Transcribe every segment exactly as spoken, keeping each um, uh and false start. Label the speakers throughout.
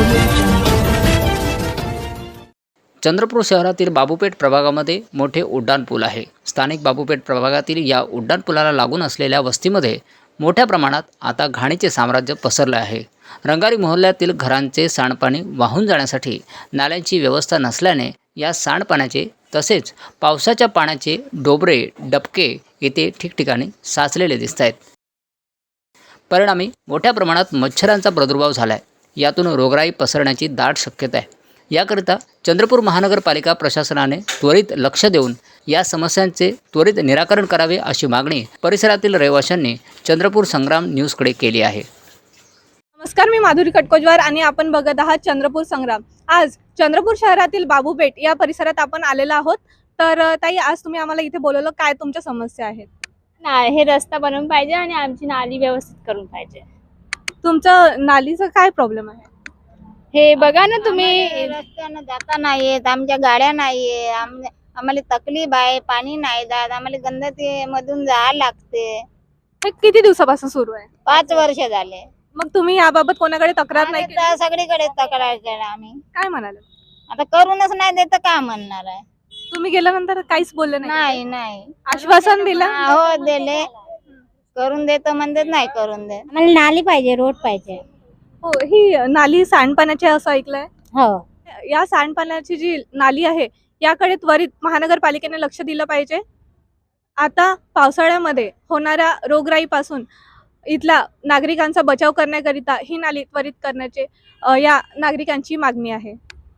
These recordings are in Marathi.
Speaker 1: चंद्रपूर शहरातील बाबूपेठ प्रभागामध्ये मोठे उड्डाणपूल आहे. स्थानिक बाबूपेठ प्रभागातील या उड्डाणपुलाला लागून असलेल्या वस्तीमध्ये मोठ्या प्रमाणात आता घाणीचे साम्राज्य पसरले आहे. रंगारी मोहल्ल्यातील घरांचे सांडपाणी वाहून जाण्यासाठी नाल्यांची व्यवस्था नसल्याने या सांडपाण्याचे तसेच पावसाच्या पाण्याचे डोबरे डबके येथे ठिकठिकाणी साचलेले दिसत आहेत. परिणामी मोठ्या प्रमाणात मच्छरांचा प्रादुर्भाव झाला आहे. यातून रोगराई पसरण्याची दाट शक्यता आहे. याकरिता चंद्रपूर महानगरपालिका प्रशासनाने त्वरित लक्ष देऊन या समस्यांचे त्वरित निराकरण करावे अशी मागणी परिसरातील रहिवाशांनी चंद्रपूर संग्राम न्यूजकडे केली आहे.
Speaker 2: नमस्कार, मी माधुरी कटकोजवार आणि आपण बघत आहात चंद्रपूर संग्राम. आज चंद्रपूर शहरातील बाबूपेठ या परिसरात आपण आलेलो आहोत. तर ताई, आज तुम्ही आम्हाला इथे बोलवलं, काय तुमच्या समस्या आहेत?
Speaker 3: नाही, हे रस्ता बनवून पाहिजे आणि आमची नाली व्यवस्थित करून पाहिजे.
Speaker 2: तुमचं नालीचा काय प्रॉब्लेम आहे?
Speaker 3: हे बघा ना तुम्ही,
Speaker 4: रस्त्यानं जाता नाही येत, आमच्या गाड्या नाहीये, आम्हाला तकलीफ आहे, पाणी नाही जात, आम्हाला गंदती मधून जायला लागते.
Speaker 2: हे किती दिवसापासून सुरू आहे?
Speaker 4: पाच वर्ष झाले.
Speaker 2: मग तुम्ही याबाबत कोणाकडे तक्रार नाही
Speaker 4: आम्ही
Speaker 2: केली?
Speaker 4: तर सगळीकडे तक्रार केला आम्ही.
Speaker 2: काय म्हणाले?
Speaker 4: आता करूनच नाही देत तर काय म्हणणार आहे?
Speaker 2: तुम्ही गेल्यानंतर काहीच बोलले नाही?
Speaker 4: नाही नाही
Speaker 2: आश्वासन दिलं?
Speaker 4: हो दिले, करून देतो म्हणतात, नाही करून देत.
Speaker 5: आम्हाला नाली पाहिजे, रोड पाहिजे.
Speaker 2: हो, ही नाली सांडपाण्याची असं ऐकलंय.
Speaker 5: हो,
Speaker 2: या सांडपाण्याची जी नाली आहे याकडे त्वरित महानगरपालिकेने लक्ष दिलं पाहिजे. आता पावसाळ्यामध्ये होणाऱ्या रोगराईपासून इथल्या नागरिकांचा बचाव करण्याकरिता ही नाली त्वरित करण्याचे अ, या नागरिकांची मागणी आहे.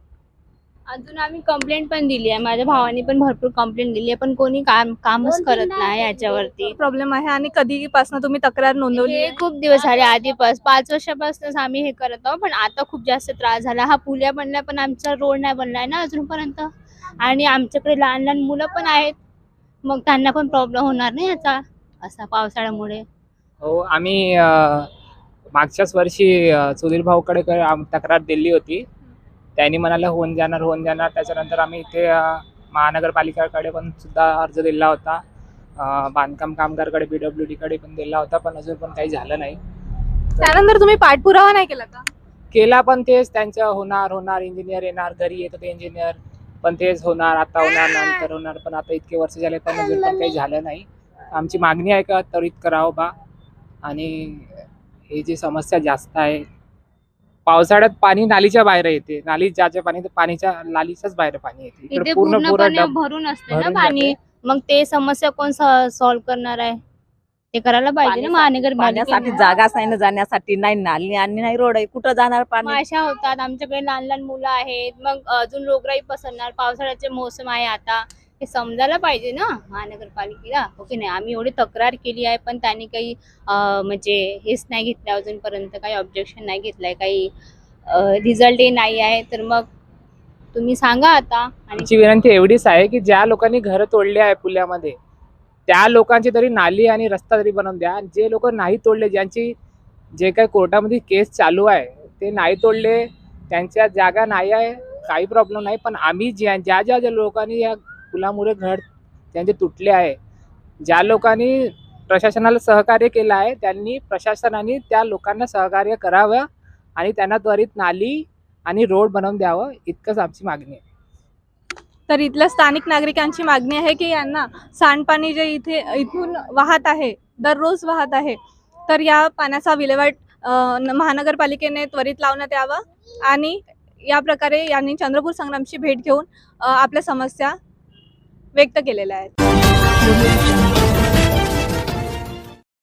Speaker 3: अजून आम्ही कंप्लेंट पण दिली आहे. माझ्या भावाने पण भरपूर कंप्लेंट दिली आहे, पण कोणी काम कामच करत नाही याच्यावरती.
Speaker 2: प्रॉब्लेम आहे. आणि कधीपासून तुम्ही तक्रार नोंदवली
Speaker 3: हे
Speaker 2: आहे?
Speaker 3: खूप दिवस झाले, आधीपास पाच वर्षापासूनच आम्ही हे करत आहोत, पण आता खूप जास्त त्रास झाला. हा पुल्या बनलाय पण आमचा रोड नाही बनलाय ना अजूनपर्यंत. आणि आमच्याकडे लहान लहान मुलं पण आहेत, मग त्यांना पण प्रॉब्लेम होणार नाही याचा असा पावसाळ्यामुळे.
Speaker 6: हो, आम्ही अ, मागच्याच वर्षी अ, सुधीर भाऊकडे क- आम- तक्रार दिली होती. त्यांनी म्हणाला होऊन जाणार होऊन जाणार त्याच्यानंतर आम्ही इथे अ, महानगरपालिकाकडे पण सुद्धा अर्ज दिला होता. अ, बांधकाम कामगारकडे बी डब्ल्यू डीकडे पण दिला होता, पण अजून पण काही झालं नाही.
Speaker 2: त्यानंतर तुम्ही पाठपुरावा नाही केला का?
Speaker 6: केला पण तेच त्यांचं होणार होणार इंजिनियर येणार, घरी येतं ते इंजिनियर, पण तेच होणार, आता होणार, नंतर होणार, पण आता इतके वर्ष झाले पण अजून पण काही झालं नाही. आमची मागणी आहे का त्वरित करावं बा. आणि हे जी समस्या जास्त आहे, पावसाळ्यात पाणी नालीच्या बाहेर येते, नाली ज्याच्या पाणी ते पाणीच्या नालीच्याच बाहेर पाणी येते.
Speaker 3: इथे
Speaker 6: इकडे पूर्ण पूर्ण
Speaker 3: पूर्णपणे
Speaker 6: डब
Speaker 3: भरून असते ना
Speaker 6: भरून
Speaker 3: पाणी.
Speaker 6: जाते.
Speaker 3: मग ते समस्या कोण सॉल्व्ह करणार आहे? ते करायला पाहिजे ना
Speaker 7: पाण्यासाठी
Speaker 3: महानगरपालिकेने.
Speaker 7: जागाच नाही ना जाण्यासाठी, नाही नाली आणि नाही रोड आहे, कुठं जाणार पाणी?
Speaker 3: माशा होतात, आमच्याकडे लहान लहान मुलं आहेत, मग अजून रोगराई पसरणार. पावसाळ्याचे मोसम आहे आता, हे समजायला पाहिजे ना महानगरपालिकेला, हो की नाही? आम्ही एवढी तक्रार केली आहे, पण त्यांनी काही अं, म्हणजे हेच नाही घेतलं अजूनपर्यंत, काही ऑब्जेक्शन नाही घेतलंय, काही रिझल्टही नाही आहे. तर मग तुम्ही सांगा आता. आणि
Speaker 6: आमची विनंती एवढीच आहे की ज्या लोकांनी घरं तोडली आहे पुल्यामध्ये, त्या लोकांची तरी नाली आणि रस्ता तरी बनवून द्या. जे लोक नाही तोडले, ज्यांची जे काही कोर्टामध्ये केस चालू आहे ते नाही तोडले, त्यांच्या जागा नाही आहे, काही प्रॉब्लेम नाही. पण आम्ही ज्या ज्या ज्या ज्या लोकांनी या पुलामुळे घर त्यांचे तुटले आहे, ज्या लोकांनी प्रशासनाला सहकार्य केलं आहे, त्यांनी प्रशासनाने त्या लोकांना सहकार्य करावं आणि त्यांना त्वरित नाली आणि रोड बनवून द्यावं, इतकंच आमची मागणी आहे.
Speaker 2: तर इथल्या स्थानिक नागरिकांची मागणी आहे की यांना सांडपाणी जे इथे इथून वाहत आहे, दररोज वाहत आहे, तर या पाण्याचा विल्हेवाट अ, न- महानगरपालिकेने त्वरित लावण्यात यावं. आणि या प्रकारे यांनी चंद्रपूर संग्रामची भेट घेऊन अ, आपल्या समस्या व्यक्त केलेल्या आहेत.